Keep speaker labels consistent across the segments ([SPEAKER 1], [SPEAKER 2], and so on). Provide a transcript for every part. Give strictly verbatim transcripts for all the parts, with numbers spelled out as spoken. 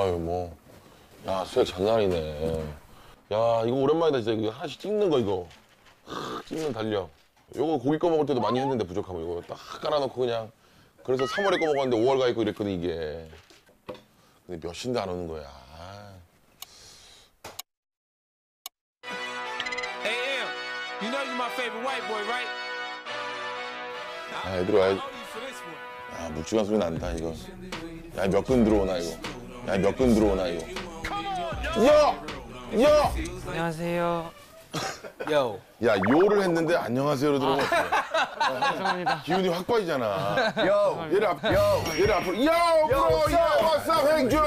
[SPEAKER 1] 아유 뭐. 야 수액 장난 아니네. 야 이거 오랜만이다 진짜. 이거 하나씩 찍는 거 이거. 하, 찍는 달력. 요거 고기 꺼 먹을 때도 많이 했는데 부족하면 이거 딱 깔아놓고 그냥. 그래서 삼월에 꺼 먹었는데 오월 가 있고 이랬거든 이게. 근데 몇 신도 안 오는 거야.
[SPEAKER 2] You know you're my favorite white boy, right?
[SPEAKER 1] 아, 애들 와야지. 야, 묵직한 소리 난다, 이거. 야, 몇 근 들어오나, 이거. 야, 몇 근 들어오나, 이거. 야! 야!
[SPEAKER 3] 안녕하세요. 요.
[SPEAKER 1] 야, 요를 했는데 안녕하세요로 들어오면 어떡해.
[SPEAKER 3] 죄송합니다.
[SPEAKER 1] 기운이 확 빠지잖아. 요! 얘를 앞, 요! 얘를 앞으로. 요! 브로! 요! what's up, 행주!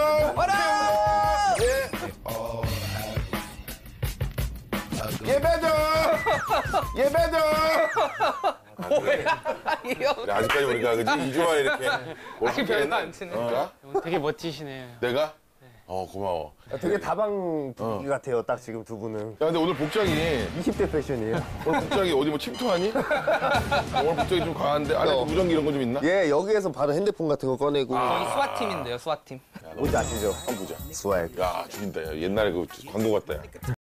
[SPEAKER 1] 예, 베더! 예, 베더!
[SPEAKER 3] 뭐야, 이거.
[SPEAKER 1] 그래, 아직까지 우리가 그지? 이 주 만에 이렇게.
[SPEAKER 3] 아직 별로 안 치네.
[SPEAKER 1] 어?
[SPEAKER 3] 되게 멋지시네요.
[SPEAKER 1] 내가? 어, 고마워.
[SPEAKER 4] 되게 다방 분위기 같아요, 딱 지금 두 분은.
[SPEAKER 1] 야, 근데 오늘 복장이.
[SPEAKER 4] 이십 대 패션이에요.
[SPEAKER 1] 오늘 복장이 어디 뭐 침투하니? 오늘 복장이 좀 과한데? 안에
[SPEAKER 4] 어.
[SPEAKER 1] 무전기 이런 거 좀 있나?
[SPEAKER 4] 예, 여기에서 바로 핸드폰 같은 거 꺼내고.
[SPEAKER 3] 저희 스와팀인데요, 스와팀.
[SPEAKER 4] 뭔지 아시죠?
[SPEAKER 1] 한번 보자.
[SPEAKER 4] 스웩.
[SPEAKER 1] 야, 죽인다. 야. 옛날에 그 광고 같다, 야.